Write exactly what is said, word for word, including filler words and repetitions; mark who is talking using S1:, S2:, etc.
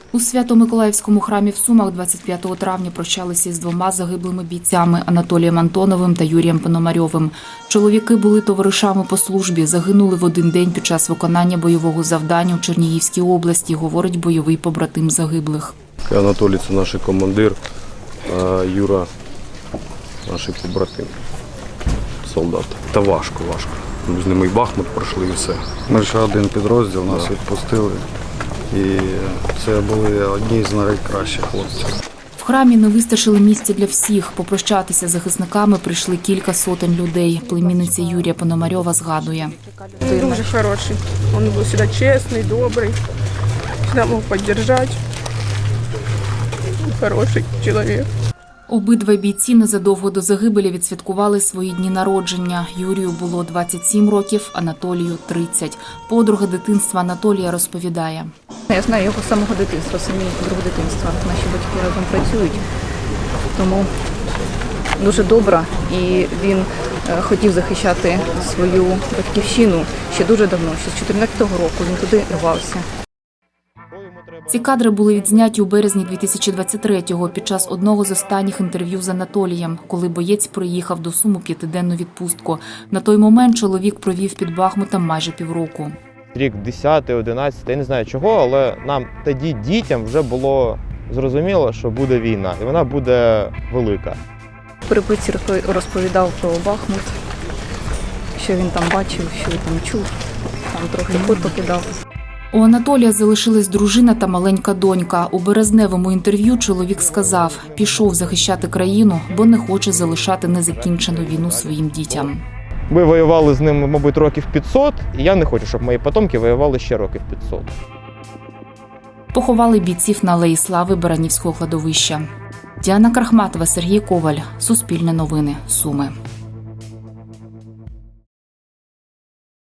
S1: У Свято-Миколаївському храмі в Сумах двадцять п'ятого травня прощалися із двома загиблими бійцями – Анатолієм Антоновим та Юрієм Пономарьовим. Чоловіки були товаришами по службі, загинули в один день під час виконання бойового завдання у Чернігівській області, говорить бойовий побратим загиблих.
S2: Анатолій – це наш командир, а Юра – наш побратим, солдат. Та важко, важко. Ми з ними і Бахмут пройшли і все.
S3: Ми ще один підрозділ, нас
S2: Да.
S3: відпустили. І це були одні з найкращих хлопців.
S1: В храмі не вистачило місця для всіх. Попрощатися з захисниками прийшли кілька сотень людей. Племінниця Юрія Пономарьова згадує.
S4: Він дуже хороший. Він був завжди чесний, добрий, завжди мог підтримати. Хороший чоловік.
S1: Обидва бійці незадовго до загибелі відсвяткували свої дні народження. Юрію було двадцять сім років, Анатолію – тридцять. Подруга дитинства Анатолія розповідає.
S5: Я знаю його з самого дитинства, самі друг дитинства. Наші батьки разом працюють, тому дуже добра. І він хотів захищати свою батьківщину ще дуже давно, ще з чотирнадцятого року він туди рвався.
S1: Ці кадри були відзняті у березні дві тисячі двадцять третього під час одного з останніх інтерв'ю з Анатолієм, коли боєць приїхав до Сум у п'ятиденну відпустку. На той момент чоловік провів під Бахмутом майже півроку.
S6: Рік десятий, одинадцятий, я не знаю чого, але нам тоді дітям вже було зрозуміло, що буде війна, і вона буде велика.
S5: В переписці розповідав про Бахмут, що він там бачив, що він там чув, там трохи фото кидав.
S1: У Анатолія залишилась дружина та маленька донька. У березневому інтерв'ю чоловік сказав, пішов захищати країну, бо не хоче залишати незакінчену війну своїм дітям.
S6: Ми воювали з ним, мабуть, років п'ятсот, і я не хочу, щоб мої потомки воювали ще років п'ятсот.
S1: Поховали бійців на Алеї Слави Баранівського кладовища. Діана Крахматова, Сергій Коваль. Суспільне новини. Суми.